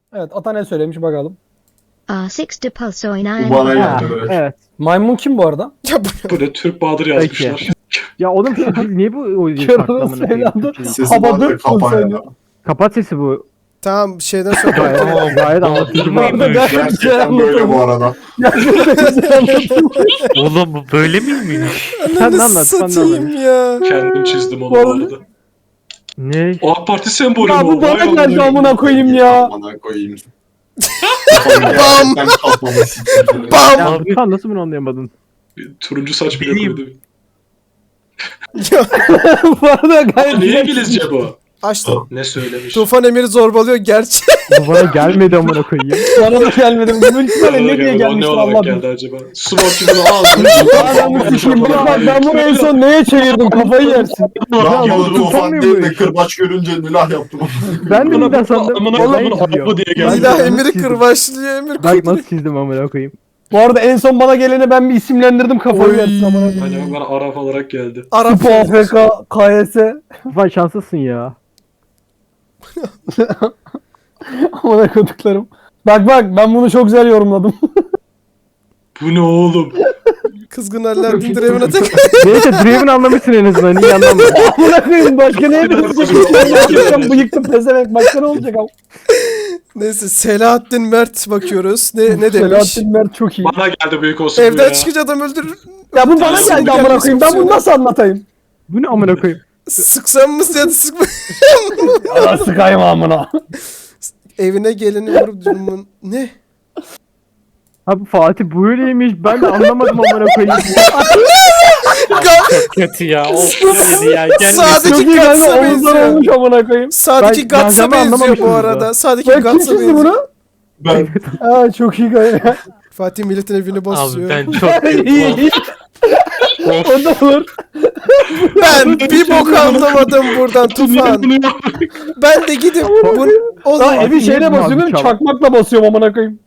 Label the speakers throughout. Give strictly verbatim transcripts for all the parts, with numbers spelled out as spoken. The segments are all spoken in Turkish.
Speaker 1: Evet, ata ne söylemiş bakalım.
Speaker 2: Uh, six to Pulsoy
Speaker 3: Bu bana
Speaker 2: nine.
Speaker 3: geldi böyle.
Speaker 4: Evet.
Speaker 1: Maymun kim bu arada?
Speaker 5: Ya bu
Speaker 6: Bu ne Türk Bahadır yazmışlar.
Speaker 4: Ya oğlum şu dil niye bu o dil farklı
Speaker 1: Kırmızı
Speaker 4: amına koyayım?
Speaker 1: evladı.
Speaker 4: Türkçe değil.
Speaker 3: Sesi
Speaker 1: Hava
Speaker 3: vardı
Speaker 1: dört
Speaker 3: kapan
Speaker 1: söylüyor.
Speaker 3: ya.
Speaker 4: Kapat sesi bu.
Speaker 5: tamam şeyden sonra
Speaker 4: Gayet, gayet anlatıcı bu arada.
Speaker 1: Gayet güzel
Speaker 3: Gerçekten böyle bu
Speaker 1: anlatılmış.
Speaker 3: arada.
Speaker 1: Gerçekten güzel anlatılmış.
Speaker 7: Oğlum bu böyle miymiş?
Speaker 4: Sen de
Speaker 5: ananı
Speaker 4: anlat, sen de
Speaker 5: satayım ya.
Speaker 6: Kendim çizdim onu
Speaker 1: Bu
Speaker 6: bu
Speaker 1: arada-
Speaker 6: arada.
Speaker 4: Ne?
Speaker 6: O AK Parti sembolü
Speaker 1: Ya
Speaker 6: mü?
Speaker 1: bu bana
Speaker 6: Vay
Speaker 1: geldi
Speaker 6: amına-
Speaker 1: amına koyayım ya.
Speaker 3: Amına koyayım. Gerçekten kafamı siktirdi.
Speaker 5: Bam.
Speaker 4: Ya sen nasıl bunu anlayamadın?
Speaker 6: Turuncu saç bile
Speaker 7: Bileyim.
Speaker 6: koydu.
Speaker 5: Ya,
Speaker 1: Bu arada gayet
Speaker 6: Niye
Speaker 1: güzel.
Speaker 6: İngilizce bu?
Speaker 5: açtım.
Speaker 6: Ne söylemiş?
Speaker 5: Tufan Emir'i zorbalıyor gerçi.
Speaker 4: Bu bana gelmedi amına koyayım.
Speaker 1: Bana da gelmedi. Bu
Speaker 6: Bana
Speaker 1: ülkeye
Speaker 6: da
Speaker 1: ne diye
Speaker 6: geldi, o
Speaker 1: gelmiş
Speaker 6: ne olarak
Speaker 1: Allah
Speaker 6: geldi
Speaker 1: bilir.
Speaker 6: acaba? Smoke gibi ağzını.
Speaker 1: Adamı sikeyim. Bak bak ben bunu en son neye çevirdim kafayı yersin.
Speaker 3: Ben
Speaker 4: Ya,
Speaker 3: bunu
Speaker 4: bu
Speaker 3: tufan
Speaker 4: tutamıyor
Speaker 3: değil
Speaker 4: bu
Speaker 3: de
Speaker 4: iş.
Speaker 3: kırbaç görünce milah yaptım.
Speaker 4: Ben de
Speaker 6: Amına
Speaker 4: neden sandım?
Speaker 6: amına
Speaker 4: Olay
Speaker 6: amına
Speaker 4: çiziyor.
Speaker 6: abla diye
Speaker 4: Ben
Speaker 6: geldi.
Speaker 4: de
Speaker 5: İlah
Speaker 4: nasıl
Speaker 5: Emir'i
Speaker 4: çizdim?
Speaker 5: kırbaçlıyor Emir
Speaker 4: Bak
Speaker 5: kırbaçlıyor.
Speaker 4: nasıl çizdim amına koyayım.
Speaker 1: Bu arada en son bana geleni ben bir isimlendirdim kafayı
Speaker 5: Oy.
Speaker 1: yersin amına koyayım.
Speaker 6: Hani bana Arap olarak geldi.
Speaker 5: Arap
Speaker 1: Tıpı A F K, K S.
Speaker 4: Tufan şanslısın ya.
Speaker 1: Amına koyduklarım. Bak bak ben bunu çok güzel yorumladım.
Speaker 6: Bu ne oğlum?
Speaker 5: kızgın Alaaddin Draven'a tek.
Speaker 4: Neyse Draven anlamışsın en azından iyi anlamadım.
Speaker 1: Amına koyayım başka ne yapacağım? Bıyıktım pezevenk başka ne olacak ama.
Speaker 5: Neyse Selahattin Mert bakıyoruz. Ne ne demiş?
Speaker 1: Selahattin Mert çok iyi.
Speaker 6: Bana geldi büyük olsun bu
Speaker 5: Evden
Speaker 6: ya.
Speaker 5: çıkınca adam öldürür.
Speaker 1: Ya bu bana
Speaker 5: Nasıl
Speaker 1: geldi amına koyayım. Ben bunu nasıl anlatayım?
Speaker 4: Bu ne amına koyayım?
Speaker 5: Sıksam mı ya da sıkma.
Speaker 1: Ya sıkayım amına.
Speaker 5: Evine geleni vurup durumun. Ne?
Speaker 4: Abi Fatih böyleymiş ben de anlamadım amına koyayım.
Speaker 7: Kötü ya. Of dedi ya. Gelmesin.
Speaker 5: Sadece
Speaker 1: Çok iyi kanka
Speaker 5: Gats'a
Speaker 1: omuzlar
Speaker 5: benziyor.
Speaker 1: olmuş amına koyayım.
Speaker 5: Sağdaki
Speaker 4: Ben
Speaker 5: Gats'a
Speaker 4: benzeme
Speaker 5: benziyor bu
Speaker 4: anlamamışım
Speaker 5: arada.
Speaker 4: burada.
Speaker 5: Sağdaki
Speaker 1: Ben kim
Speaker 5: Gats'a
Speaker 1: çizdi
Speaker 5: benziyor.
Speaker 1: bunu?
Speaker 3: Ben
Speaker 1: Aa çok iyi kanka.
Speaker 5: Fatih milletin evini basıyor.
Speaker 7: Abi ben çok
Speaker 1: İyi iyi. O da olur.
Speaker 5: Ben bir bok anlamadım buradan Tufan. Ben de gidip bu o
Speaker 1: Daha
Speaker 5: zaman
Speaker 1: evi şeyle
Speaker 4: Niye
Speaker 1: basıyorum
Speaker 4: abi,
Speaker 1: çakmakla basıyorum amına koyayım.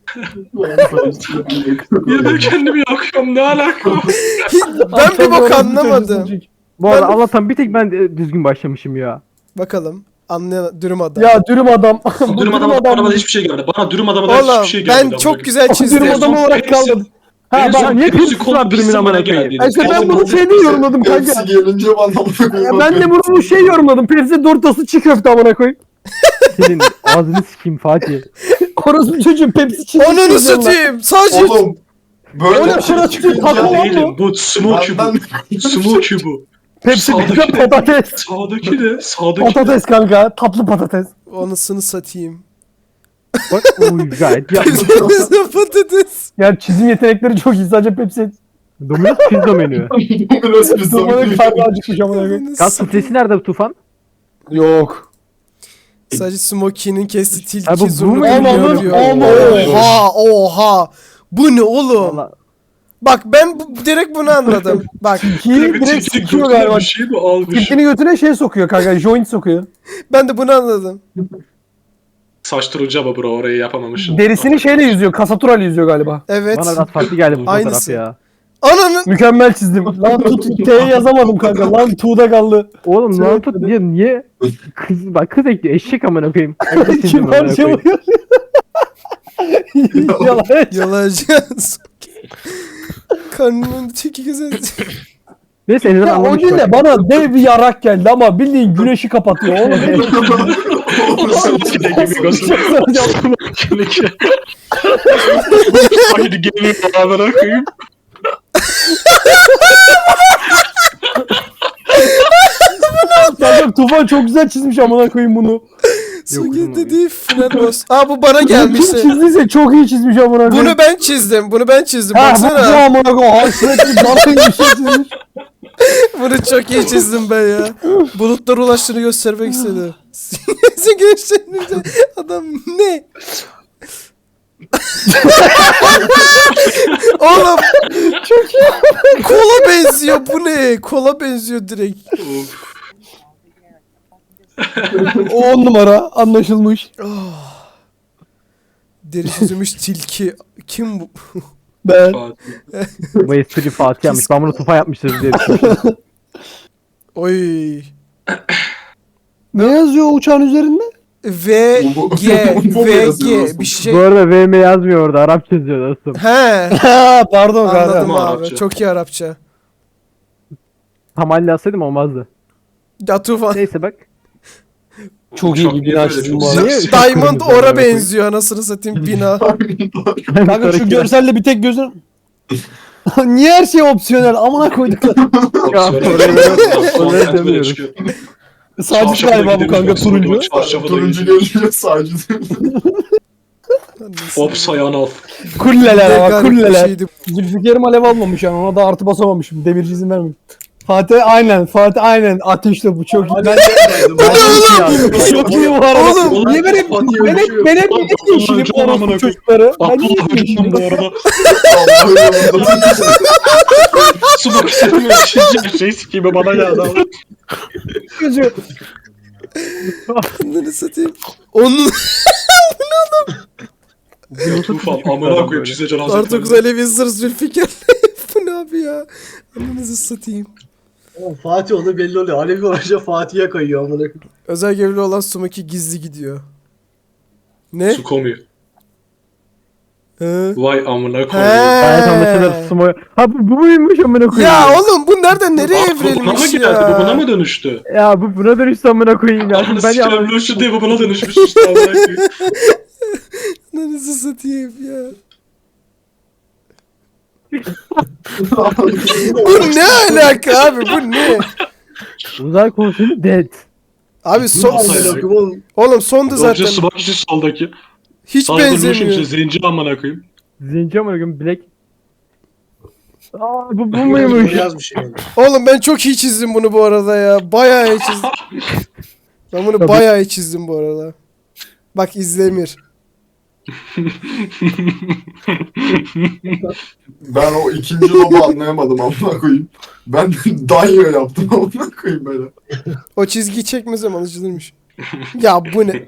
Speaker 6: Ya ben kendimi yakıyorum ne alaka?
Speaker 5: ben bir bok anlamadım.
Speaker 4: Bu arada
Speaker 5: Ben-
Speaker 4: Allah'tan bir tek ben de düzgün başlamışım ya.
Speaker 5: Bakalım. Anlayan dürüm adam.
Speaker 1: Ya dürüm adam. Bu
Speaker 6: Dürüm adama bana hiçbir şey gelmedi. Bana dürüm adama da
Speaker 5: Oğlum
Speaker 6: hiçbir şey gelmedi.
Speaker 5: ben çok güzel
Speaker 1: O
Speaker 5: çizdim.
Speaker 1: dürüm adamı olarak kalmadı. Ha
Speaker 6: En
Speaker 1: bak
Speaker 6: son
Speaker 4: niye
Speaker 6: Pepsi
Speaker 4: kırmızı
Speaker 6: Cola
Speaker 4: var dürümün
Speaker 6: pizza
Speaker 4: amına
Speaker 6: bana
Speaker 4: koyayım?
Speaker 6: geldi.
Speaker 1: işte ben bunu şeyde yorumladım kanka.
Speaker 3: hepsi gelince bana bunu
Speaker 1: Ya ben de bunu şey yorumladım. Pepsi Dortası çiğ köfte amına koyayım.
Speaker 4: Senin ağzını sikeyim Fatih.
Speaker 1: Orası bir çocuğun Pepsi çiğ
Speaker 5: Onunu
Speaker 1: köfte
Speaker 5: satayım. Sadece
Speaker 3: Oğlum. Böyle
Speaker 1: Oğlum,
Speaker 3: bir
Speaker 1: şuna
Speaker 3: şey
Speaker 1: çıkıyor,
Speaker 3: çıkınca
Speaker 1: takma lan
Speaker 6: Değilim bu smoky bu.
Speaker 3: benden
Speaker 6: Smoky bu.
Speaker 1: Pepsi
Speaker 6: Sağdaki
Speaker 1: pizza
Speaker 6: de-
Speaker 1: patates.
Speaker 6: Sağdaki de sağdaki de.
Speaker 1: Patates kanka. Tatlı patates.
Speaker 5: onusunu satayım.
Speaker 4: Bak oy gayet yapmış.
Speaker 5: Bizde patates.
Speaker 1: Yani çizim yetenekleri çok iyi. Sadece Pepsi.
Speaker 4: Domino's pizza menü.
Speaker 3: biraz bir
Speaker 1: Durmanın
Speaker 3: zaman
Speaker 1: karnı acıkmış amına koyayım.
Speaker 4: Gaz filtresi nerede bu Tufan?
Speaker 1: Yok.
Speaker 5: Sadece Smokey'nin kesti
Speaker 4: Ha, bu-
Speaker 5: tilki
Speaker 4: bu
Speaker 5: zurnu
Speaker 4: mu?
Speaker 1: Aman,
Speaker 5: diyor.
Speaker 1: aman.
Speaker 5: Oha oha. Bu ne oğlum?
Speaker 4: Valla
Speaker 5: Bak ben bu, direkt bunu anladım. Bak
Speaker 1: Ki
Speaker 6: Bir
Speaker 1: direkt
Speaker 6: tilki
Speaker 1: sikiyor
Speaker 6: götüne
Speaker 1: galiba.
Speaker 6: bir şey mi almış?
Speaker 1: Tilkini götüne şey sokuyor kanka. Joint sokuyor.
Speaker 5: ben de bunu anladım.
Speaker 6: Saç turuncu ama bro orayı yapamamışım.
Speaker 1: Derisini şeyle yüzüyor. Kasaturayla yüzüyor galiba.
Speaker 5: Evet.
Speaker 4: bana biraz farklı geldi bu fotoğraf
Speaker 5: Aynısı.
Speaker 4: ya.
Speaker 5: Ananı
Speaker 1: Mükemmel çizdim. Lan tut T'yi yazamadım kanka. Lan tuğda kaldı.
Speaker 4: Oğlum
Speaker 1: Şey
Speaker 4: lan tut niye niye kız bak kız ekliyor eşek amına koyayım.
Speaker 1: Kim parçalıyor? Yalan.
Speaker 5: yalayacağız. Karnımın teki güzel.
Speaker 4: Neyse en azından
Speaker 1: Ya o
Speaker 4: anlamış
Speaker 1: gün
Speaker 4: bak.
Speaker 1: de bana dev bir yarak geldi ama bildiğin güneşi kapatıyor. Oğlum
Speaker 6: Smoky de gibi göster. Smoky. Haydi gelin beraber koyayım.
Speaker 1: kanka Tufan çok güzel çizmiş amına koyayım bunu.
Speaker 5: Sugi dedi final boss. Aa bu bana
Speaker 1: Kim
Speaker 5: gelmişti.
Speaker 1: çizdiyse çok iyi çizmiş amına koyayım.
Speaker 5: Bunu ben çizdim. Bunu ben çizdim.
Speaker 1: Ha bu
Speaker 5: Baksana.
Speaker 1: amına koyayım. Hasretli dalga bir şey çizmiş.
Speaker 5: Bunu çok iyi çizdim ben ya. Bulutlar ulaştığını göstermek istedi. Sen gençlerin adam ne? Oğlum çok iyi. Kola benziyor bu ne? Kola benziyor direkt.
Speaker 6: Of.
Speaker 1: O on numara anlaşılmış.
Speaker 5: Deri çizilmiş tilki. Kim bu?
Speaker 1: Ben.
Speaker 6: Fatih.
Speaker 4: Bu espri Fatih yapmış. Ben bunu Tufan yapmıştır diye düşünmüştüm.
Speaker 5: Oy.
Speaker 1: Ne yazıyor o uçağın üzerinde?
Speaker 5: V G
Speaker 3: Bu mu
Speaker 5: V
Speaker 3: yazıyor
Speaker 5: G
Speaker 3: dostum?
Speaker 5: bir şey.
Speaker 4: Bu arada V M yazmıyor orada. Arapça yazıyor dostum.
Speaker 5: He.
Speaker 1: Ha pardon
Speaker 5: Anladım
Speaker 1: kanka.
Speaker 5: abi.
Speaker 6: Arapça.
Speaker 5: Çok iyi Arapça.
Speaker 4: Tamalli yazsaydım olmazdı.
Speaker 5: Ya Tufan.
Speaker 4: Neyse bak.
Speaker 1: Çok iyi
Speaker 6: Çok
Speaker 1: bir
Speaker 6: niye
Speaker 1: bina
Speaker 6: böyle
Speaker 1: çizdim
Speaker 6: çok
Speaker 1: bu arada.
Speaker 4: Niye?
Speaker 5: Diamond
Speaker 4: Kırmızı
Speaker 5: ora
Speaker 4: amına
Speaker 5: benziyor anasını satayım bina.
Speaker 1: Kanka şu görselle bir tek gözün... Niye her şey opsiyonel? Amına koyduklar.
Speaker 4: Oraya demiyoruz.
Speaker 1: Sadece galiba bu kanka turuncu.
Speaker 3: Turuncu görünüyor sadece.
Speaker 6: Hop sayan al.
Speaker 1: Kulleler
Speaker 5: Ne
Speaker 1: ama
Speaker 5: garip bir
Speaker 1: kulleler.
Speaker 5: şeydi.
Speaker 1: Zülfikar'ım alev almamış yani ona da artı basamamışım. Demirci izin vermiyor. Fatih aynen Fatih aynen ateşle bu çok iyi. Ben çok iyi bu arada.
Speaker 5: Oğlum,
Speaker 1: niye ben hep ben hep ben hep niye değişirim bu orospu çocukları? Ben niye değişirim?
Speaker 6: bu arada.
Speaker 3: Allah'ım.
Speaker 6: Su bakışlarını yaşayacak şey sikimi bana geldi abi.
Speaker 1: Çocuğu.
Speaker 5: Ananı satayım. Onun
Speaker 6: Tufan amına koyup size cenaze
Speaker 5: Artı dokuz Alevi Zır Zülfikar. Bu ne abi ya? Ananızı satayım.
Speaker 8: Oğlum Fatih o da belli oluyor. Alevi olunca Fatih'e kayıyor amına koyayım.
Speaker 5: Özel görevli olan Sumaki gizli gidiyor. Ne?
Speaker 6: Su komuyor.
Speaker 5: He.
Speaker 6: Vay amına
Speaker 5: He.
Speaker 6: koyayım.
Speaker 4: Gayet anlaşılır. Sumo. Ha bu, bu muymuş amına koyayım?
Speaker 5: Ya oğlum bu nereden nereye
Speaker 6: Aa, bu buna mı
Speaker 5: evrilmiş
Speaker 6: geldi? Bu buna
Speaker 5: ya?
Speaker 6: mı dönüştü?
Speaker 4: Ya bu buna dönüştü amına koyayım ya.
Speaker 6: Ananı
Speaker 4: Ben
Speaker 6: sikerim
Speaker 4: yanlış.
Speaker 6: Lucian diye bu buna dönüşmüş işte amına koyayım.
Speaker 5: Ananızı satayım ya. Bu ne alaka abi bu ne?
Speaker 4: Uzay konsolu dead.
Speaker 5: Abi son...
Speaker 6: Nasıl
Speaker 8: Amına
Speaker 6: ya?
Speaker 8: koyayım oğlum.
Speaker 5: Oğlum sondu
Speaker 6: Zaten
Speaker 5: zaten.
Speaker 6: su bakışı soldaki.
Speaker 5: Hiç
Speaker 6: Sağda Lucian işte
Speaker 5: benzemiyor.
Speaker 6: zenci amına koyayım.
Speaker 4: Zenci amına koyayım Black. Aa bu bu
Speaker 8: Bu
Speaker 4: muymuş?
Speaker 8: yazmış yani.
Speaker 5: Oğlum ben çok iyi çizdim bunu bu arada ya. Bayağı iyi çizdim. Ben bunu
Speaker 4: Tabii.
Speaker 5: bayağı iyi çizdim bu arada. Bak İzlemir.
Speaker 3: Ben o ikinci lobu anlayamadım amına koyayım. Ben danyo yaptım amına koyayım böyle.
Speaker 5: O çizgiyi çekmesem anlaşılırmış. Ya bu ne?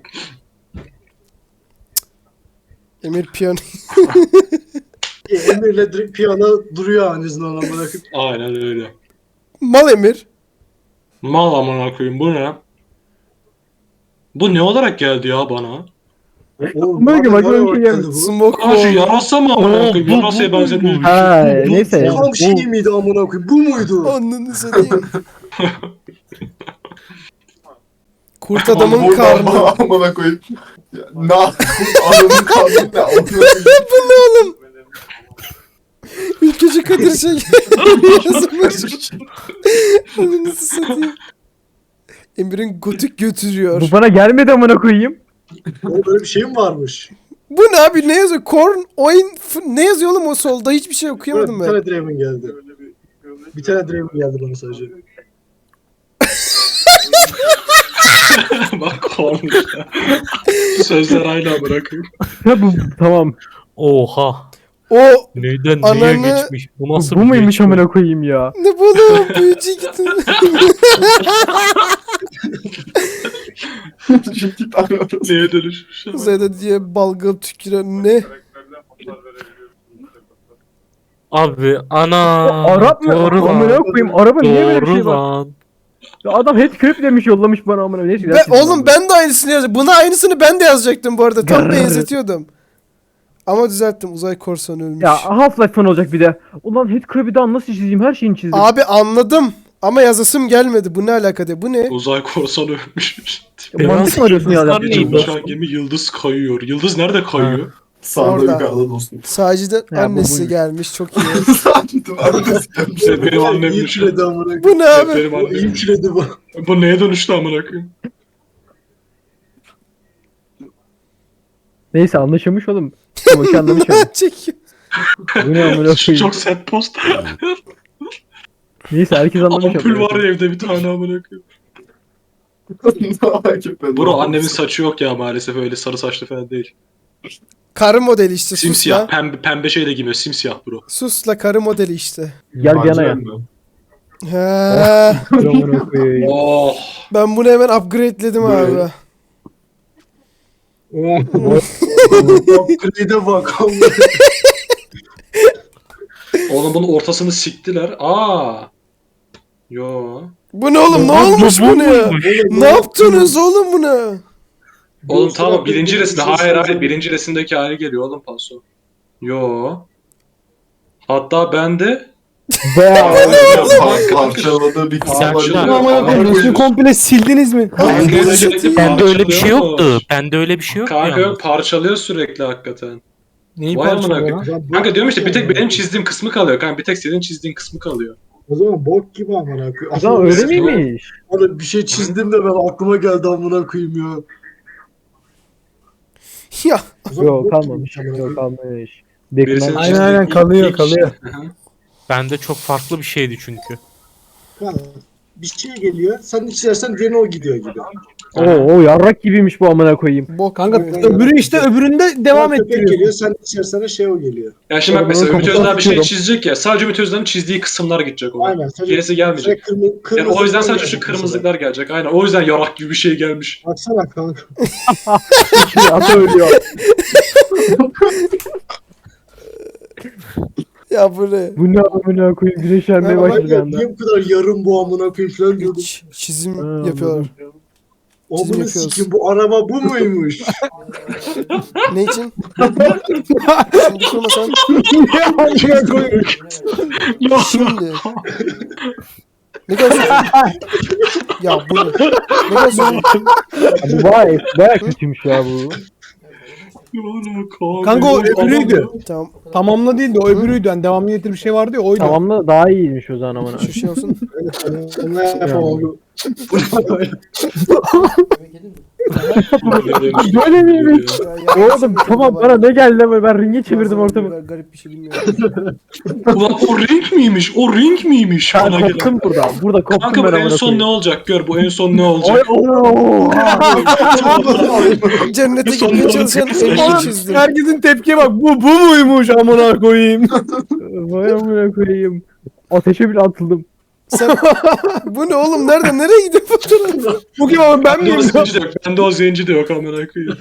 Speaker 5: Emir piyano.
Speaker 8: Emir'le direkt piyano duruyor anasını amına koyayım.
Speaker 6: Aynen öyle.
Speaker 5: Mal Emir.
Speaker 6: Mal amına koyayım bu ne? Bu ne olarak geldi ya bana?
Speaker 8: Oğlum
Speaker 4: Bak,
Speaker 8: bak
Speaker 4: bak,
Speaker 8: bak
Speaker 4: öyle
Speaker 8: bak
Speaker 4: şey
Speaker 8: geldi
Speaker 4: geldi.
Speaker 8: bu.
Speaker 5: Smoke
Speaker 6: Aa şu
Speaker 5: bomb.
Speaker 6: yarasa mı amına
Speaker 7: Oo,
Speaker 6: koyayım?
Speaker 7: bu-
Speaker 6: Yarasaya
Speaker 7: bu-
Speaker 6: benzemiyor.
Speaker 4: Ha neyse.
Speaker 8: Tam
Speaker 4: Bu-
Speaker 8: şey miydi amına koyayım? Bu muydu?
Speaker 5: Ananı satayım. Kurt
Speaker 3: Oğlum
Speaker 5: adamın
Speaker 3: buradan
Speaker 5: karnı.
Speaker 3: bana amına koyayım. Ya, Ne? Adamın karnı ne? Amına koyayım.
Speaker 5: Bu ne oğlum? Ülkücü Kadir şey yazmış. Ananızı satayım. Emir'in gotik götürüyor.
Speaker 4: Bu bana gelmedi amına koyayım.
Speaker 8: Oğlum böyle bir şey mi varmış?
Speaker 5: Bu ne abi ne yazıyor? Korn oyun f- ne yazıyor oğlum o solda? Hiçbir şey okuyamadım
Speaker 8: Bir
Speaker 5: ben.
Speaker 8: tane Draven geldi. Bir tane Draven geldi bana sadece.
Speaker 6: Bak kormuş ya. Sözler aynı amına koyayım.
Speaker 4: Ya bu tamam.
Speaker 7: Oha.
Speaker 5: O
Speaker 7: Neyden
Speaker 5: Ananı-
Speaker 7: neye geçmiş? Bu
Speaker 4: Bu,
Speaker 7: nasıl
Speaker 4: bu
Speaker 7: bir
Speaker 4: muymuş
Speaker 7: geçmiş?
Speaker 4: amına koyayım ya?
Speaker 5: ne bu oğlum? Büyücü gittin.
Speaker 3: İki tane orası.
Speaker 6: Neye dönüşmüş? ya?
Speaker 5: Uzayda diye balgam tüküren ne?
Speaker 7: Abi ana.
Speaker 4: Arap mı?
Speaker 7: Doğru
Speaker 4: Amına
Speaker 7: lan.
Speaker 4: koyayım. Araba niye böyle bir
Speaker 7: Doğru
Speaker 4: şey var?
Speaker 7: lan.
Speaker 4: Ya adam headcrab demiş yollamış bana amına. Neyse.
Speaker 5: Be, oğlum ben de aynısını yazdım. Buna aynısını ben de yazacaktım bu arada. Tam
Speaker 4: Grrr.
Speaker 5: benzetiyordum. Ama düzelttim. Uzay korsanı ölmüş.
Speaker 4: Ya Half-Life fan olacak bir de. Ulan headcrab'i daha nasıl çizeyim? Her şeyini çizdim.
Speaker 5: Abi anladım. Ama yazasım gelmedi. Bu ne alaka diye. Bu ne?
Speaker 6: Uzay korsanı ölmüş.
Speaker 4: Ya mantık mı arıyorsun ya?
Speaker 7: Yıldızlar
Speaker 4: Yaptığın
Speaker 7: neymiş?
Speaker 4: bu?
Speaker 6: Uçan gemi yıldız kayıyor. Yıldız nerede kayıyor?
Speaker 3: Sağda
Speaker 5: Orada.
Speaker 3: yukarıda dostum.
Speaker 5: Saci'den
Speaker 4: Ya bu
Speaker 5: annesi
Speaker 4: buymuş.
Speaker 5: gelmiş. Çok iyi.
Speaker 3: Sadece annesi gelmiş.
Speaker 6: İşte benim
Speaker 8: İyi
Speaker 6: annemmiş.
Speaker 8: küredi amına koyayım.
Speaker 5: Bu ne abi?
Speaker 6: Benim
Speaker 8: O iyi
Speaker 6: annem.
Speaker 8: küredi bu.
Speaker 6: Bu neye dönüştü amına koyayım?
Speaker 4: Neyse anlaşılmış oğlum. Tamam ki anlamış oğlum.
Speaker 5: Çekiyor.
Speaker 4: Bu ne amına koyayım?
Speaker 6: Çok set post.
Speaker 4: Neyse herkes anlamış
Speaker 6: Ampul
Speaker 4: oğlum.
Speaker 6: var ya evde bir tane amına koyayım. Bro annemin saçı yok ya maalesef öyle sarı saçlı falan değil.
Speaker 5: Karı modeli işte.
Speaker 6: Simsiyah.
Speaker 5: Susla.
Speaker 6: Pembe, pembe şey de giymiyor. Simsiyah bro.
Speaker 5: Susla karı modeli işte.
Speaker 4: Gel bir yana ya.
Speaker 5: He.
Speaker 4: Amına koyayım.
Speaker 6: Oh.
Speaker 5: Ben bunu hemen upgrade'ledim abi.
Speaker 8: Upgrade'e bak amına.
Speaker 6: Oğlum bunun ortasını siktiler. Aa. Yo.
Speaker 5: Bu ne oğlum? Ne olmuş bu ne ya? Ne yaptınız oğlum buna?
Speaker 6: Oğlum
Speaker 8: Yoksa
Speaker 6: tamam
Speaker 8: ben
Speaker 6: birinci
Speaker 8: bir
Speaker 6: resimde.
Speaker 8: şey
Speaker 6: Hayır hayır
Speaker 8: söyleyeceğim.
Speaker 6: birinci resimdeki hali geliyor oğlum paso. Yo. Hatta ben de
Speaker 3: Parçaladığı bir kısım var.
Speaker 7: Sen-
Speaker 1: Ama amına koyayım resmi komple sildiniz mi?
Speaker 6: Kanka sürekli
Speaker 7: Bende öyle bir şey
Speaker 6: parçalıyormuş.
Speaker 7: yoktu. Bende öyle bir şey yoktu
Speaker 6: Kanka
Speaker 7: yalnız.
Speaker 6: parçalıyor sürekli hakikaten.
Speaker 1: Neyi
Speaker 6: Vay amına
Speaker 1: parçalıyor
Speaker 6: koyayım.
Speaker 1: lan?
Speaker 6: Kanka diyorum işte bir tek benim çizdiğim kısmı kalıyor. Kanka bir tek senin çizdiğin kısmı kalıyor.
Speaker 8: O zaman bok gibi amına koyayım.
Speaker 4: O zaman öyle miymiş?
Speaker 8: Oğlum bir şey çizdim de ben aklıma geldi amına koyayım ya.
Speaker 5: Ya
Speaker 8: O zaman
Speaker 4: Yok
Speaker 8: bok
Speaker 4: kalmamış.
Speaker 8: gibiymiş amına
Speaker 4: Yok
Speaker 8: koyayım.
Speaker 4: kalmamış.
Speaker 6: Birisinin
Speaker 4: Dekman.
Speaker 1: Aynen,
Speaker 6: çizdiği
Speaker 1: aynen,
Speaker 6: ilk-
Speaker 1: kalıyor,
Speaker 6: ilk-
Speaker 1: kalıyor.
Speaker 6: Hı hı.
Speaker 7: Bende çok farklı bir şeydi çünkü.
Speaker 8: Kanka, bir şey geliyor. Sen içersen gene o gidiyor gibi.
Speaker 4: Oo, o yarrak gibiymiş bu amına koyayım.
Speaker 5: bok
Speaker 1: Kanka
Speaker 5: gibi.
Speaker 1: öbürü işte öbüründe devam
Speaker 8: Köpek
Speaker 1: ettiriyor.
Speaker 8: geliyor. Sen içersene şey o geliyor.
Speaker 6: Ya şimdi bak
Speaker 4: Oğlum,
Speaker 6: mesela
Speaker 4: bunu
Speaker 6: Ümit Özdağ bir şey
Speaker 4: kapatıyorum.
Speaker 6: çizecek ya. Sadece Ümit Özdağ'ın çizdiği kısımlar gidecek ona.
Speaker 8: Aynen. Sadece,
Speaker 6: Gerisi gelmeyecek.
Speaker 8: kırmızı,
Speaker 6: Yani
Speaker 8: kırmızı
Speaker 6: o yüzden sadece şu
Speaker 8: gelecek
Speaker 6: kırmızılıklar gelecek. Aynen. O yüzden yarak gibi bir şey gelmiş.
Speaker 8: mesela. Baksana kanka.
Speaker 4: Şimdi ata ölüyor.
Speaker 5: Ya bu ne?
Speaker 4: Bu ne amına koyayım güneşlenmeye
Speaker 8: Ben
Speaker 4: başladı bir
Speaker 8: ya,
Speaker 4: anda.
Speaker 8: niye bu kadar yarım bu amına koyayım falan diyordum.
Speaker 5: Ç- çizim
Speaker 4: Ha,
Speaker 5: yapıyorlar.
Speaker 8: Amına
Speaker 5: yapıyoruz.
Speaker 8: sikim bu araba bu muymuş?
Speaker 5: Ne için? Şimdi sormasan.
Speaker 1: Amına koyayım.
Speaker 5: Şimdi. Ne kadar söylüyorsun? Ya bu ne? Ne kadar söylüyorsun?
Speaker 4: Bu baya, baya kötüymüş ya bu.
Speaker 1: Kanka o öbürüydü.
Speaker 5: Tamam.
Speaker 1: Tamamla değildi o öbürüydü. Yani devamlı getir bir şey vardı ya oydu.
Speaker 4: Tamamla daha iyiymiş o zaman amına.
Speaker 5: Şu şey olsun.
Speaker 8: Ne yapamam.
Speaker 4: Böyle miymiş?
Speaker 5: Ya, ya,
Speaker 4: Oğlum tamam bana ne geldi ama ben ringe çevirdim ortamı.
Speaker 5: Garip bir şey bilmiyorum.
Speaker 6: Ulan o ring miymiş? O ring miymiş?
Speaker 4: Ben
Speaker 6: Bana gelen.
Speaker 4: koptum burada. Burada koptum
Speaker 6: Kanka
Speaker 4: ben
Speaker 6: bu en
Speaker 4: amına
Speaker 6: son ne
Speaker 4: koyayım.
Speaker 6: olacak? Gör bu en son ne
Speaker 4: Oy
Speaker 6: olacak?
Speaker 4: ooo.
Speaker 5: Cennete gitmeye çalışan elini çizdim.
Speaker 1: Herkesin tepkiye bak. Bu bu muymuş amına koyayım.
Speaker 4: Vay amına koyayım. Ateşe bile atıldım.
Speaker 5: Sen... Bu ne oğlum? Nerede? Nereye gidiyor fotoğraf?
Speaker 1: Bu kim abi ben
Speaker 6: Bende o
Speaker 1: miyim?
Speaker 6: zenci de yok. Bende o zenci de yok amına koyayım.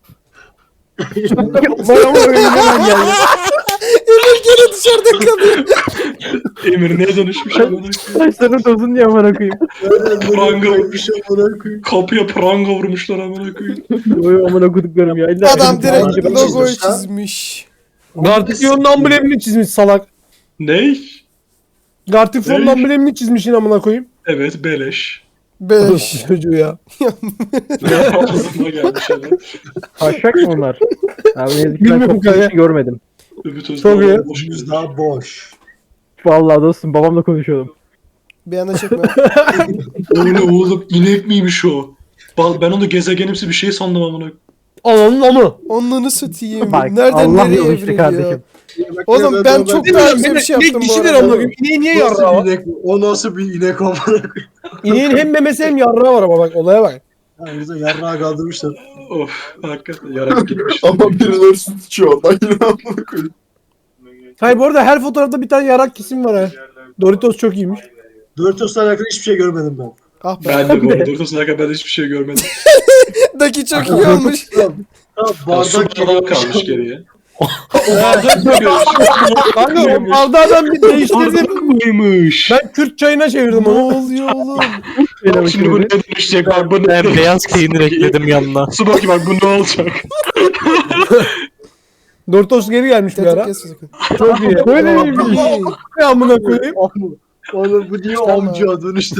Speaker 1: Vay amına koyayım hemen geldi.
Speaker 5: Emir gene dışarıda kalıyor.
Speaker 6: Emir ne dönüşmüş amına koyayım?
Speaker 4: Saçlarını tozun diye amına koyayım.
Speaker 6: Pranga
Speaker 8: bir şey amına koyayım.
Speaker 6: kapıya pranga vurmuşlar amına koyayım.
Speaker 4: Oy amına koyduklarım ya. İlla
Speaker 5: Adam
Speaker 4: elim-
Speaker 5: direkt
Speaker 8: Abi,
Speaker 5: logoyu
Speaker 8: çizmiş ha.
Speaker 5: çizmiş.
Speaker 1: Gartifion'un amblemini çizmiş salak.
Speaker 6: Ney?
Speaker 1: Gartifion'un
Speaker 6: Ne?
Speaker 1: amblemini çizmişin amına koyayım.
Speaker 6: Evet beleş.
Speaker 5: Beş.
Speaker 1: Çocuğu ya.
Speaker 6: Ağzıma gelmiş adam.
Speaker 4: Taşak mı onlar? Abi ne yazık ki ben
Speaker 1: Bilmiyorum
Speaker 4: çok
Speaker 1: kanka.
Speaker 4: bir şey görmedim.
Speaker 6: Ümit Özdağ
Speaker 1: Çok iyi.
Speaker 6: boş
Speaker 8: Yüz
Speaker 6: geldi.
Speaker 8: daha boş.
Speaker 4: Vallahi dostum babamla konuşuyordum.
Speaker 5: Bir anda çekme.
Speaker 6: O ne oğlum inek miymiş o? Bal ben onu gezegenimsi bir şey sandım amına.
Speaker 1: Ananın amı.
Speaker 5: Onluğunu satayım.
Speaker 4: Bak
Speaker 5: Nereden
Speaker 4: Allah
Speaker 5: nereye
Speaker 4: yolu işte
Speaker 5: evriliyor?
Speaker 4: kardeşim.
Speaker 5: Oğlum ben çok
Speaker 1: Ne
Speaker 5: daha
Speaker 1: bileyim
Speaker 5: güzel bir şey
Speaker 1: inek
Speaker 5: yaptım bu
Speaker 1: dişidir
Speaker 5: arada.
Speaker 1: amına koyayım. İneğe niye yarrağı
Speaker 8: Nasıl
Speaker 1: var?
Speaker 8: bir inek? O nasıl bir inek amına koyayım?
Speaker 1: İneğin hem memesi hem yarrağı var ama bak olaya bak.
Speaker 8: Yani bize yarrağı kaldırmışlar.
Speaker 6: Of hakikaten yarak gitmiş.
Speaker 3: Ama birileri su tutuyor oradan yine amına koyayım.
Speaker 1: Hayır bu arada her fotoğrafta bir tane yarak kesim var ha. Doritos çok iyiymiş.
Speaker 8: Doritos'la alakalı hiçbir şey görmedim ben.
Speaker 5: Ah be.
Speaker 6: Ben de bu arada Doritos kadar ben hiçbir şey görmedim.
Speaker 5: Daki çok iyi olmuş.
Speaker 8: Ha,
Speaker 6: Su
Speaker 8: bardak
Speaker 6: bardağı kalmış geriye. O bardak mıymış?
Speaker 1: Kanka o bardağı ben bir değiştirdim.
Speaker 6: Mıymış?
Speaker 1: Ben Kürt çayına çevirdim
Speaker 5: Ne
Speaker 1: onu.
Speaker 5: oluyor oğlum?
Speaker 4: Benim
Speaker 6: Şimdi bu ne
Speaker 4: için.
Speaker 6: dönüşecek bak bu ne
Speaker 7: Ben beyaz peynir ekledim yanına.
Speaker 6: Su bakayım bak bu ne olacak?
Speaker 1: Doritos geri gelmiş bir
Speaker 5: Tetep
Speaker 1: ara.
Speaker 5: kesme sakın.
Speaker 1: Çok iyi.
Speaker 4: Böyle
Speaker 5: Aa,
Speaker 4: miymiş?
Speaker 5: iyi.
Speaker 1: Ne amına koyayım?
Speaker 8: Oğlum bu niye
Speaker 5: Tamam.
Speaker 8: amca dönüştü?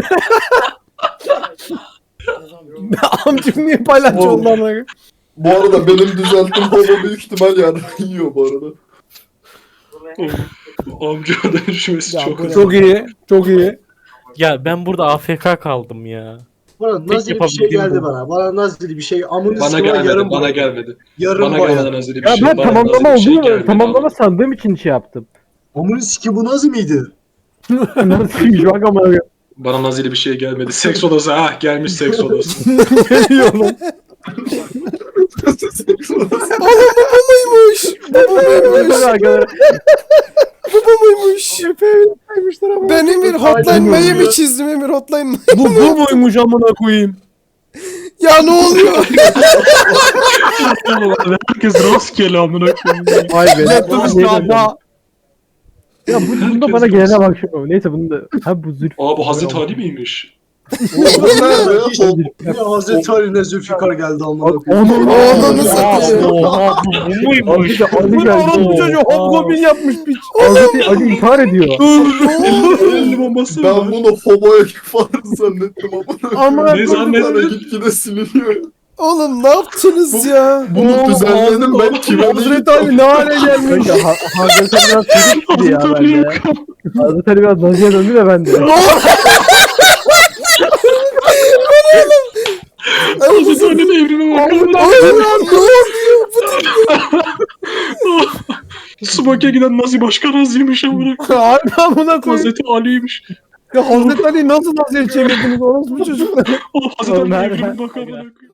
Speaker 1: Amcım niye paylaşçı
Speaker 3: Oğlum.
Speaker 1: oldu amına koyayım?
Speaker 3: Bu arada benim düzelttiğim homo büyük ihtimal yani yiyor bu arada.
Speaker 6: Of, amca dönüşmesi
Speaker 5: Ya
Speaker 6: çok
Speaker 5: bu ne?
Speaker 6: hızlı.
Speaker 1: Çok iyi. Çok iyi.
Speaker 7: Ya ben burada A F K kaldım ya.
Speaker 8: Bana
Speaker 7: Tek
Speaker 8: nazili bir şey
Speaker 7: yapabildiğim
Speaker 8: geldi
Speaker 7: bu.
Speaker 8: bana. Bana nazili bir şey. Amını
Speaker 6: Bana
Speaker 8: sıkıma
Speaker 6: gelmedi,
Speaker 8: yarım
Speaker 6: bana
Speaker 8: boy.
Speaker 6: gelmedi.
Speaker 8: Yarım
Speaker 6: Bana
Speaker 8: boy.
Speaker 6: gelmeden hazır bir
Speaker 4: Ya
Speaker 6: şey.
Speaker 4: ben
Speaker 6: bana
Speaker 4: tamamlama
Speaker 6: nazil bir şey
Speaker 4: olduğunu
Speaker 6: gelmedi
Speaker 4: tamamlama
Speaker 6: ama.
Speaker 4: sandığım için şey yaptım.
Speaker 8: Amını siki bu nazı mıydı?
Speaker 4: Nasıl bak amına koyayım.
Speaker 6: Bana nazili bir şey gelmedi. Seks odası, ah gelmiş seks odası.
Speaker 1: Geliyor lan.
Speaker 5: Muymuş. Bu muymuş.
Speaker 4: Arkadaşlar.
Speaker 5: Bu muymuş. Ben Emir Hotline Miami çizdim Emir Hotline Miami.
Speaker 1: Bu bu muymuş amına koyayım?
Speaker 5: Ya ne oluyor?
Speaker 6: Herkes rastgele amına koyayım.
Speaker 4: Vay be.
Speaker 1: Laptop
Speaker 4: Ne
Speaker 1: işte
Speaker 4: dedim?
Speaker 1: daha.
Speaker 4: Ya bu bunda bana gelene bak şu. Neyse bunu da. Ha bu zülf.
Speaker 6: Aa bu Hazreti Ali miymiş?
Speaker 3: Nerede ya?
Speaker 8: Ne Hazreti Ali'ne Zülfikar geldi amına koyayım.
Speaker 4: Onu
Speaker 5: Oğlunu satayım.
Speaker 7: Oha bu, bu muymuş?
Speaker 4: Ali, Ali
Speaker 1: Bu ne
Speaker 4: geldi.
Speaker 1: orospu çocuğu hobgoblin yapmış piç.
Speaker 4: Hazreti Ali intihar ediyor.
Speaker 6: elli bombası
Speaker 3: Ben
Speaker 6: var.
Speaker 3: bunu homoya farz zannettim ama.
Speaker 1: Amına
Speaker 6: Ne
Speaker 1: koydum.
Speaker 6: zannettin?
Speaker 3: Gitgide siliniyor.
Speaker 5: Oğlum ne yaptınız ya?
Speaker 3: Bunu düzenledim ben kime
Speaker 1: Hazreti Ali ne hale gelmiş.
Speaker 4: Kanka Ha- Hazreti Ali biraz çocuk gibi ya bende. Hazreti Ali biraz naziye döndü de bende.
Speaker 6: Hazreti Ali'nin evrime bakar.
Speaker 5: Oğlum ne oluyor?
Speaker 6: Smoke'e giden Nazi başkan Nazi'ymiş amına.
Speaker 1: Harbi amına koyayım.
Speaker 6: Hazreti Ali'ymiş.
Speaker 1: Ya Hazreti Ali nasıl nasıl çevirdiniz orospu çocuklar?
Speaker 6: Oğlum Hazreti
Speaker 4: Oğlum,
Speaker 6: Ali
Speaker 4: nerede?
Speaker 6: evrime bakar amına koyayım.